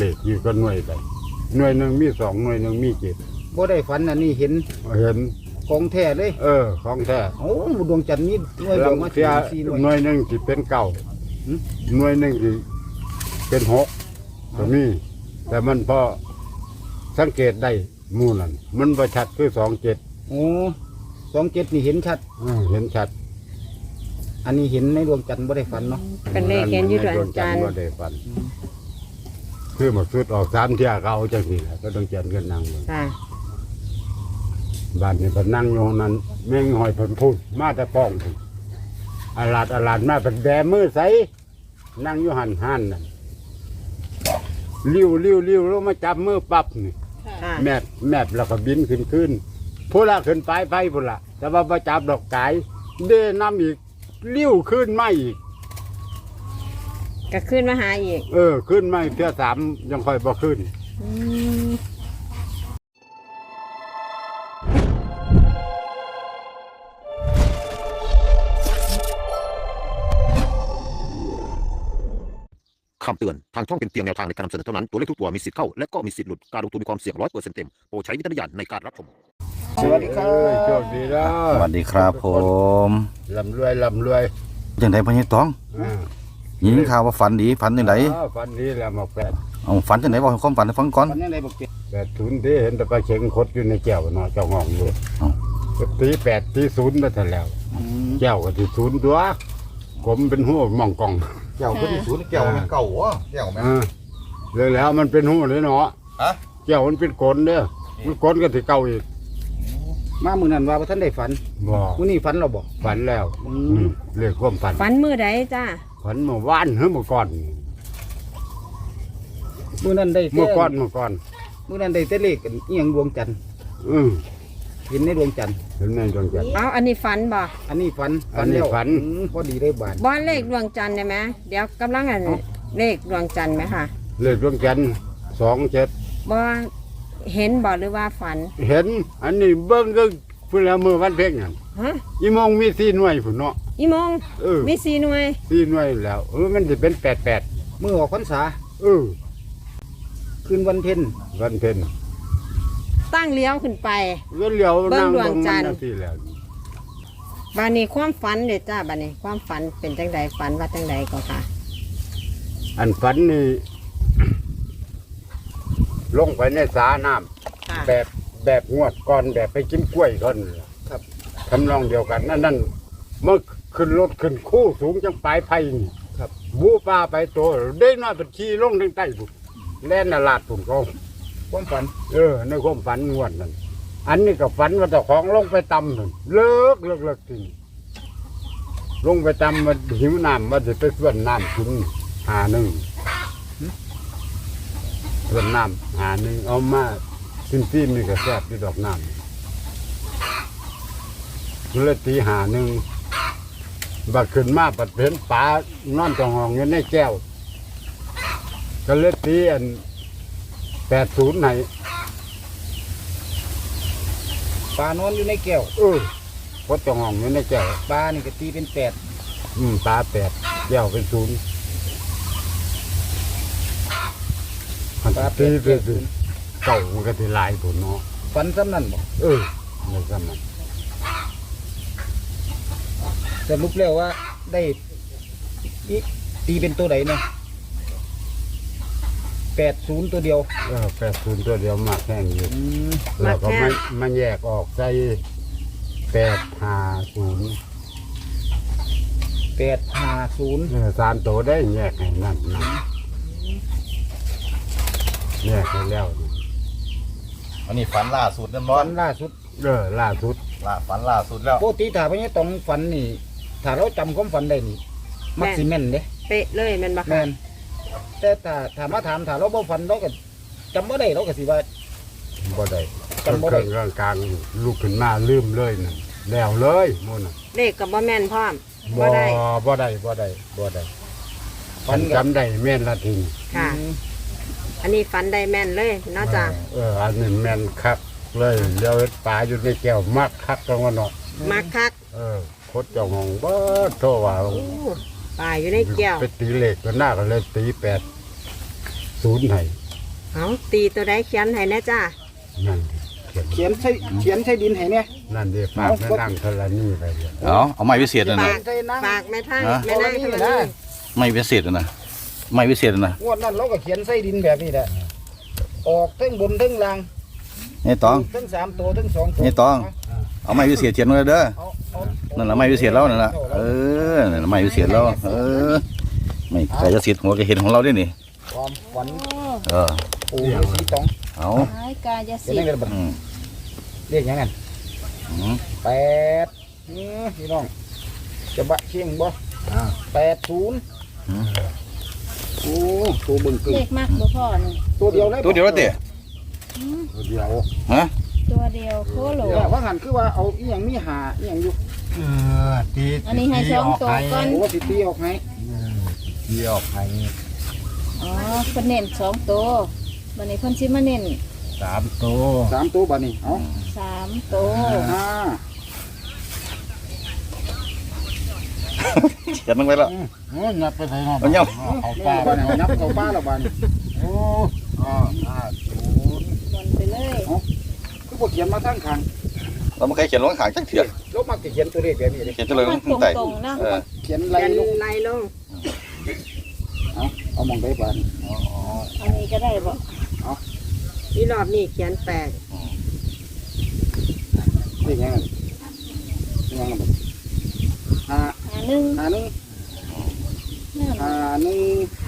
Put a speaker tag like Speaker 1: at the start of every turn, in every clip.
Speaker 1: เลขอยู่ก็หน่วยไปหน่วยหนึ่งมี2หน่วยหนึ่งมี7
Speaker 2: บ่ได้ฝันอันนี้เห็น
Speaker 1: เห็น
Speaker 2: ของแท้เลย
Speaker 1: ของแท้
Speaker 2: โอ้ดวงจันทร์นี่หน่วย
Speaker 1: แล้
Speaker 2: บ
Speaker 1: ว
Speaker 2: อกมา
Speaker 1: เสีย
Speaker 2: 4หน่วย
Speaker 1: หน่วยหนึ่งที่เป็น9หน่วยหนึ่งที่เป็น6ก็มีแต่มันพอสังเกตได้หมู่นั่นมันบ่ชัดคือ27
Speaker 2: โอ้27นี่เห็นชัด
Speaker 1: เห็นชัด
Speaker 2: อันนี้เห็นในดวงจันทร์บ่ได้ฝันเนาะ
Speaker 3: เป็นเลขเห็นอยู่ดวงจันทร์
Speaker 1: บ่ได้ฝันคือหมดสุดออก3เที่ยก็เอาจังซี่แหละก็ต้องเขียนกันนั่ง
Speaker 3: ค่ะ
Speaker 1: บ้านนี่เพิ่นนั่งอยู่นั้นแม่งหอยเพิ่นพูดมาแต่ป้องพุ่นอาลาดมาเป็นแบมือใสนั่งอยู่หันนั่นลิ้วลงมาจับมือปั๊บนี่
Speaker 3: ค่ะ
Speaker 1: แมบแล้วก็บินขึ้นผู้ละขึ้นไปไฟพุ่นละแต่ว่าบ่จับดอกกายเด้น้ำอีกลิ้วขึ้นมาอีก
Speaker 3: ก็ขึ้นมาหาอีก
Speaker 1: ขึ้นมาอีกเทื่อ3ยังค่อยบ่ขึ้น
Speaker 3: อืม
Speaker 4: คำเตือน ทางช่องเป็นเพียงแนวทางในการนำเสนอเท่านั้น ตัวเลขทุกตัวมีสิทธิ์เข้า และก็มีสิทธิ์หลุด การลงทุนมีความเสี่ยง100%เต็ม โปรดใช้วิจารณญาณในการรับชม
Speaker 2: สวัสดีครับ
Speaker 1: โชคดีแล้ว
Speaker 5: สวัสดีครับผม
Speaker 1: ลำรวย
Speaker 5: จังไดพ่อใหญ่ตองยินข่าวว่าฝันดีฝันจังได
Speaker 1: ฝันดีแล้วมา8
Speaker 5: เอาฝันจังไดบอกให้ความฝันให้ฟังก่อน
Speaker 2: ฝันยังไงบอกเจ็ด
Speaker 1: 80ที่เห็นแต่ปลาเข็งคดอยู่ในแก้วเนาะเจ้าห้องอยู่
Speaker 5: เอ้า
Speaker 1: ตี8ตี0มาแต่แล้วแก้วก็ที่0ตัวผมเป็นหัวมองกอง
Speaker 6: แก้วก็ที่ศูนย์แก้วมันเก่าวะแก้วแม่
Speaker 1: เลยแล้วมันเป็นหัวเลยเนาะ
Speaker 6: ฮะ
Speaker 1: แก้วมันเป็นกลนเด้อมันกลนก็ที่เก่าอีก
Speaker 2: มามื้อนั้นว่าบ่ทันได้ฝัน
Speaker 1: บ่
Speaker 2: มื้อนี้ฝันเราบ่
Speaker 1: ฝันแล้วเรียกความฝัน
Speaker 3: ฝันมือใดจ้า
Speaker 1: ฝันเมื่อวานเมื่อก่อน
Speaker 2: มื้อนั้นได้
Speaker 1: เมื่อก่อน
Speaker 2: มื้อนั้นได้แต่เลขอันอีหยังดวงจันทร์
Speaker 1: อือ
Speaker 2: เห็นในดวงจันทร์
Speaker 1: เห็นไหมดวงจันทร์
Speaker 3: เอาอันนี้ฝันบ่
Speaker 2: อันนี้ฝัน
Speaker 1: อันนี้
Speaker 2: แล้ว
Speaker 1: ฝัน
Speaker 2: พอดีได้บาท
Speaker 3: บอลเลขดวงจันทร์ได้ไหมเดี๋ยวกำลังอันเลขดวงจันทร์ไหมค่ะ
Speaker 1: เลขดวงจันทร์27
Speaker 3: บอเห็นบ่หรือว่าฝัน
Speaker 1: เห็นอันนี้เบิ่งก็เพิ่นละมื้อวันเพ็ญนั่น
Speaker 3: ฮะ
Speaker 1: อีมองมี4หน่วยพุ่นเนาะ
Speaker 3: อีโมง
Speaker 1: เออ
Speaker 3: มี4หน่วย
Speaker 1: 4หน่วยแล้วมันสิเป็น88
Speaker 2: มื้อออกพรรษา
Speaker 1: เออ
Speaker 2: คืนวันเพ็ญ
Speaker 1: วันเพ็ญ
Speaker 3: ตั้งเลี้ยวขึ้นไป
Speaker 1: ก็เหลียว
Speaker 3: เบิ่
Speaker 1: นั่
Speaker 3: ง
Speaker 1: ง
Speaker 3: ดวงจันทร์
Speaker 1: เบิ่งมัที่แล้ว
Speaker 3: บานนี้ความฝันเด็ดจ้าบานนี้ความฝันเป็นจังใดฝันว่าจังใดก็ค่ะ
Speaker 1: อันฝันนี่ ลงไปในสาน้ำ
Speaker 3: ค่ะ
Speaker 1: แบบงวดก่อนแบบไปกินกล้วยก่อนครับทำนองเดียวกันนั่นเมื่อขึ้นรถขึ้นคู่สูงจังปลายไผ่นี่
Speaker 2: ครับ
Speaker 1: บูป้าไปตัวได้น้อยเป็นขี่ลงทางใต้บุแล่นนาลาดปุ่นเขา
Speaker 2: ความฝัน
Speaker 1: ในความฝันงวดนั่นอันนี้ก็ฝันว่าเจ้าของลงไปตำนั่นเลิกจริงลงไปตำมาหิวน้ำมาจะไปส่วนน้ำกิน1ส่วนน้ำ1เอามาซิมนี่ก็แซ่บที่ดอกน้ำเลยตี1บัดขึ้นมาปัดเห็นปลานอนจองห้องอยู่ในแก้วก็เลยตีอัน80ไหน
Speaker 2: ปลานอนอยู่ในแก้ว
Speaker 1: พดจองห้องอยู่ในแก้ว
Speaker 2: ปลานี่ก็ตีเป็น8
Speaker 1: ปลา8แก้วเป็น0มันตีเป็นเก่ามันก็สิหลายผลเนาะ
Speaker 2: ฝันซ้ำนั่นบ่
Speaker 1: ในสมัย
Speaker 2: สรุปแล้วว่าได้ตีเป็นตัวใดเนาะ80ตัวเดียว
Speaker 1: 80ตัวเดียวมากแห้งอยู่
Speaker 2: ม
Speaker 1: แล้วก็
Speaker 3: มากแห้ง
Speaker 1: มันแยกออกใส่850
Speaker 2: 850
Speaker 1: 3ตัวได้แยกให้นั่นนะแยกให้แล้วนี่
Speaker 6: อันนี้ฝันล่าสุดนั่นร้อ
Speaker 2: ฝั
Speaker 6: น
Speaker 2: นล่าสุด
Speaker 1: ล่าสุด
Speaker 6: ฝันล่าสุดแล้ว
Speaker 2: ปกติถ้าพญาตองฝันนี่ ถ้าเราจำความฝันได้นี่ มักสิแม่นเด้
Speaker 3: เป๊ะเลยแมันบ่
Speaker 2: แม่
Speaker 3: ค่ะ
Speaker 2: นแต่ถ้ามาถามถ้าเราบ่ฝันเราก็จำบ่ได้เราก็สิว่า
Speaker 1: บ่ได้
Speaker 2: จำบ่ได้
Speaker 1: เครื่องกลางลุกขึ้นมาลืมเลยนั่นแล้วเลยมุ่นน่ะ
Speaker 3: เลขกับบ่แม่นพร้อมบ่ได้
Speaker 1: บ่ได้ฝันจำได้แม่นละที
Speaker 3: ค่ะ อันนี้ฝันได้แม่นเลยเนาะจ้า
Speaker 1: อันนี้แม่นคักเลยเลี้ยวเฮ็ดปลาอยู่ในแก้วมักคักจังว่าเนาะ
Speaker 3: มักคัก
Speaker 1: โคตรเจ้าของบ่โทว่า
Speaker 3: โอ้ปลาอยู่ในแก้ว
Speaker 1: ไปตีเลขก็น่าก็เลยตี80ให้
Speaker 3: เอาตีตัวใดเขียนให้แนะจ้า
Speaker 1: นั่นเขียน
Speaker 2: เขียนใส่ดินให้เนี่ย
Speaker 1: นั่นดิฝากแม่นั่งธรณีไปเดี๋ยว
Speaker 5: เอาไม้วิเศษนะ
Speaker 2: ฝา
Speaker 5: นะ
Speaker 2: กใส่นั่ง
Speaker 3: ฝากแม่ท่าน
Speaker 5: ฮะ
Speaker 3: แม่นางธรณี
Speaker 5: ไม้วิเศษนะไม้วิเศษนะ
Speaker 2: งวดนั้นเราก็เขียนใส่ดินแบบนี้แหละออกทั้งบนทั้งล่าง
Speaker 5: นี่ตอง
Speaker 2: ทั้ง3ตัวทั้ง2ตัว
Speaker 5: นี่ตอง เอาไม้วิเศษเขียนไว้เด้อ
Speaker 2: เอา
Speaker 5: นั่นแหละไม้วิเศษแล้วนั่นแหละนั่นแหละไม้วิเศษแล้วไม่กายสิทธิ์หัวกระเห็นของเราด้วยนี่
Speaker 2: ความฝัน
Speaker 5: เออ
Speaker 2: ปู่ฤาษีตอง
Speaker 5: เอา
Speaker 7: หายกายสิ
Speaker 2: เขียน
Speaker 7: ท
Speaker 2: ได้
Speaker 7: ธิ์
Speaker 2: กันบัด
Speaker 5: อืม
Speaker 2: เรียกหยังไง
Speaker 5: อืม
Speaker 2: 8พี่น้องจะบะเชียงบ่80โอ้ตัวเบิ่งกึ่ง
Speaker 7: เลขมากบ่พ่อนี่
Speaker 2: ตัวเดียวเลย
Speaker 5: ตัวเดียวแล้วเตะ
Speaker 7: อืม
Speaker 1: เดียว
Speaker 5: ฮะ
Speaker 7: ตัวเดียวโคโล
Speaker 2: เนี่ยว่าหันคือว่าเอาอีหยังมีหาอีหยังอยู่
Speaker 1: ตี
Speaker 7: อันนี้ให้สองตัวก่อน
Speaker 2: โอ้สิตีออกให้
Speaker 1: ตีออกให้
Speaker 7: อ๋อเพิ่นเน้นสองตัวบัดนี้เพิ่นสิมาเน้น
Speaker 1: 3ตัว
Speaker 2: 3ตัวบัดนี้เอา
Speaker 7: สามตัว
Speaker 2: ห้า
Speaker 5: เขียนลงไปแล้ว
Speaker 1: โอ้ยนับไปใส่หน่อย
Speaker 5: เอาเนี่ย
Speaker 1: เอา
Speaker 2: ป้า
Speaker 1: ป้า
Speaker 2: บัด
Speaker 1: ไป
Speaker 2: นี้นับเข้าป้าแล้วบัดนี้
Speaker 1: โอ้50
Speaker 7: บนไปเลย
Speaker 2: คือบ่เขียนมาทางข้าง
Speaker 5: เราไม่เคยเขียนลงขางจังเถื่อ
Speaker 2: ลบมาจะเขียนตัวเลขแบบนี้เลย
Speaker 5: เขียนจะเลยล
Speaker 7: มัน
Speaker 5: งใต้
Speaker 7: ตรงๆนะ
Speaker 2: เขียน
Speaker 3: เขี
Speaker 2: ไล่
Speaker 3: ยน
Speaker 2: ลง
Speaker 3: ไล่ลง
Speaker 2: เอามองได้บัดนี้
Speaker 7: อันนี้ก็ได้บ่
Speaker 3: นี่รอบนี้เขียนแปด
Speaker 2: เลขหยังยังบัดห้า
Speaker 7: หาหนึ่ง
Speaker 2: ห้าหนึ่ง
Speaker 7: นั่น
Speaker 2: ห้าหนึ่ง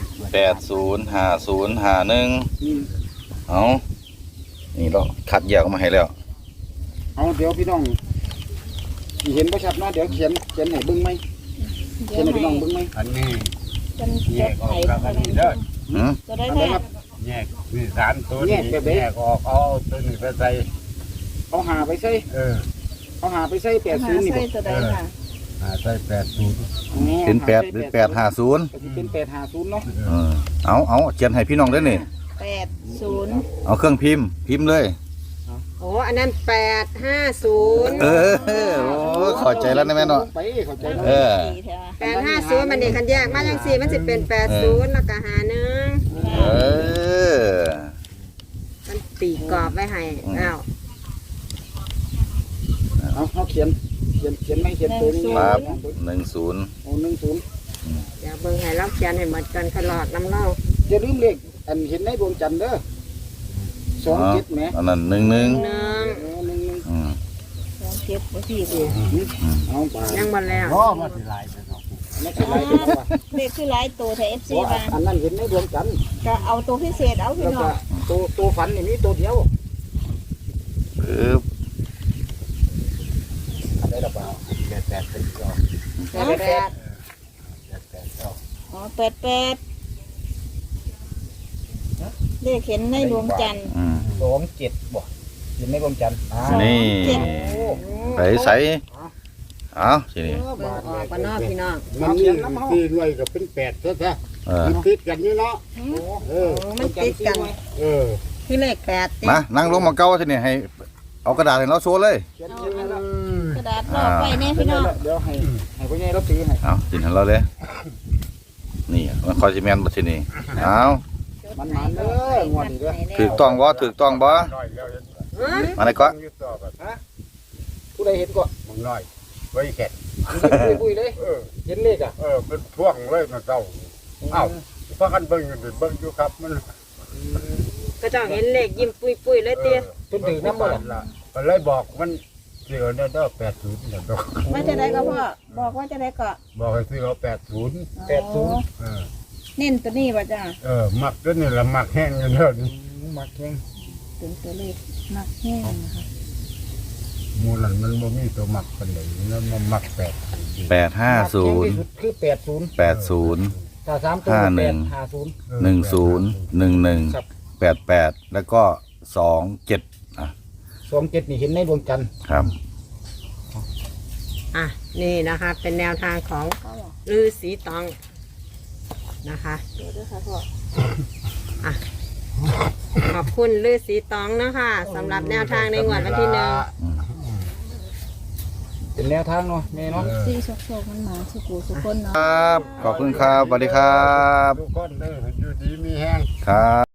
Speaker 5: 805051
Speaker 2: นี่
Speaker 5: เอานี่เราคัดแยกออกมาให้แล้ว
Speaker 2: เอาเดี๋ยวพี่น้องสิเห็นบ่ชัดเนาะเดี๋ยวเขียนให้เบิ่งไหม
Speaker 7: เดี๋
Speaker 2: เขี
Speaker 7: ย
Speaker 2: ยน
Speaker 7: ว
Speaker 2: ให้พี่น้อง
Speaker 7: ให้
Speaker 2: เบิ่งไหม
Speaker 1: อันนี้
Speaker 7: เพิ่น
Speaker 1: แย
Speaker 7: จด
Speaker 1: กออก
Speaker 7: ให้
Speaker 1: จากอันนี้เด้อ
Speaker 5: หืม
Speaker 7: ตัวได้
Speaker 2: อันใด
Speaker 7: แท้
Speaker 2: ครับ
Speaker 1: แยกนี่3ตัวนี้แยกออกเอาตัวนี้ไปใส่
Speaker 2: เอาหาไปใส่ เอาหาไปใส่
Speaker 7: หา
Speaker 2: 80นี่
Speaker 7: ใส่
Speaker 2: บ่
Speaker 7: ตัวใดค่ะ
Speaker 1: ใส่80
Speaker 2: อ๋อ
Speaker 5: เป็น8หรือ850
Speaker 2: ก็สิเป็น850เนาะ
Speaker 5: เอาเขียนให้พี่น้องได้นี่
Speaker 7: 80
Speaker 5: เอาเครื่องพิมพ์เลย
Speaker 3: โอ้อันนั้น850
Speaker 5: โอ้เข้าใจแล้วนะแม่เนาะ
Speaker 2: ไปเข้าใจแล้ว
Speaker 5: เออ
Speaker 7: ดีแท้ว่ะ
Speaker 3: 850มันนี่คันแยกมาจังซี่มันสิเป็น80แล้วก็หาหนึ่ง
Speaker 5: เออ
Speaker 3: มันตีกรอบไว้ให้อ้าว
Speaker 2: เอาเขียนไม่เขียนตัวนี้
Speaker 5: ครับ 10
Speaker 2: โอ้10
Speaker 3: เดี๋ยวเบิ่งให้เราเขียนให้หมดกันขลอดน้ำเล่า
Speaker 2: อย่าลืมเลขอันเห็นในดวงจันทร์เด้อ27แหม
Speaker 5: อันนั้น11
Speaker 3: 1
Speaker 2: 11
Speaker 5: อืม
Speaker 7: ลองเก็บไว้ที่
Speaker 2: เอาไป
Speaker 3: ยังบ่แล้ว
Speaker 1: ก็มาสิหลายไปเนาะ
Speaker 2: ไม่ใช่ไรเป็นว่า
Speaker 7: เลขคือหลายตัวแท้ FC ว่า
Speaker 2: อันนั้นเห็นในดวงจันทร์
Speaker 7: ก็เอาตัวพิเศษเอาพี่
Speaker 2: แล้ว
Speaker 7: น้
Speaker 2: ก็
Speaker 7: อง
Speaker 2: ตัวฝันนี่มีตัวเดียว
Speaker 5: ปึ๊บ
Speaker 2: อะไรล่ะบ่าว
Speaker 1: 8เป็นก็
Speaker 7: อ๋อ88เลขเห็นในดวงจันทร์
Speaker 5: อืม
Speaker 2: 27บ่เห็นในดวงจันทร์
Speaker 5: นี่
Speaker 2: โอ้
Speaker 5: ใส่เอาทีนี้
Speaker 3: เบิ่งออกกันเนาะพี่น้อง
Speaker 1: มันนี่ตีรวยก็เป็น8ซะ
Speaker 5: เออ
Speaker 1: มันติดกันนี่เนาะเออ
Speaker 3: โอ้มันติดกัน
Speaker 1: เออ
Speaker 3: คือเลข8ติด
Speaker 5: มานั่งลงมาเก้าทีนี้ให้เอากระดาษให้เราโชว์เลย
Speaker 2: เขียน
Speaker 7: เอา
Speaker 2: เขียน
Speaker 7: อัน
Speaker 2: แล้ว
Speaker 7: กระดาษรอบไว้แน่พี่น้อง
Speaker 2: เดี๋ยวให้พ่อใหญ่เราตีให้
Speaker 5: เอาทีนี้เราเลย นี่มันคอยซีเมนต์มาทีนี้เอา
Speaker 2: มันเด้องวดนี้เด้อ
Speaker 5: ถูกต้องบ่ถูกต้องบ่
Speaker 1: น้อยแล้ว
Speaker 5: มาไหนก็
Speaker 1: อยู่ต่อกัน
Speaker 2: ผู้ใดเห็นก็
Speaker 1: มึงน้อยไว้แค่
Speaker 2: ปุ้ยเลย
Speaker 1: เออ
Speaker 2: เห็นเลขอ่ะ
Speaker 1: เป็นพ่วงเลยมาเจ้าเอ้าพากันเบิ่งอยู่ดิเบิ่งอยู่ครับมัน
Speaker 3: ก็เจ้าเห็นเลขยิ้มปุยๆเลยเตี้ย
Speaker 2: เพิ่นถือน้ำบ่ล่ะ
Speaker 1: ก็เลยบอกมันเสือเนี่ยเด้อ80เนี่ยเด้อ
Speaker 7: ว่าจะได้ก็พ่อบอกว่าจะได้ก็
Speaker 1: บอกให้ซื้อเอา80
Speaker 2: 80
Speaker 1: เออ
Speaker 7: เน้นตัวนี้ป่ะจ้า
Speaker 1: มักตัวนี่ละมักแห้งอยู่เด้อนี่
Speaker 2: มักแข่ง
Speaker 7: เป็นตัวเลขหนักแห้งนะคะ
Speaker 1: หมู่นั้นมันบ่มีตัวมักปานใดแล้วมันมัก80
Speaker 5: 850
Speaker 2: คือ80
Speaker 5: 80
Speaker 2: ถ้า3ตัว
Speaker 5: 51 10 11 88แล้วก็27อ่ะ
Speaker 2: 27นี่เห็นในดวงจันทร์
Speaker 5: ครับ
Speaker 3: อ่ะนี่นะคะ เป็นแนวทางของฤาษีตองนะคะ
Speaker 7: เดี๋ยวด้วยค่ะพ่อ
Speaker 3: อ่ะขอบคุณฤาษีตองนะคะสำหรับแนวทางในงวดวันที่
Speaker 2: เป็นแนวทางเนาะแม่เนาะ
Speaker 7: ซี่โชคมันหมาสุกูสุคนเนาะ
Speaker 5: ครับ ขอบคุณครับสวัสดีครับ
Speaker 1: ทุกคนเด้ออยู่ดีมีแห้ง
Speaker 5: ครับ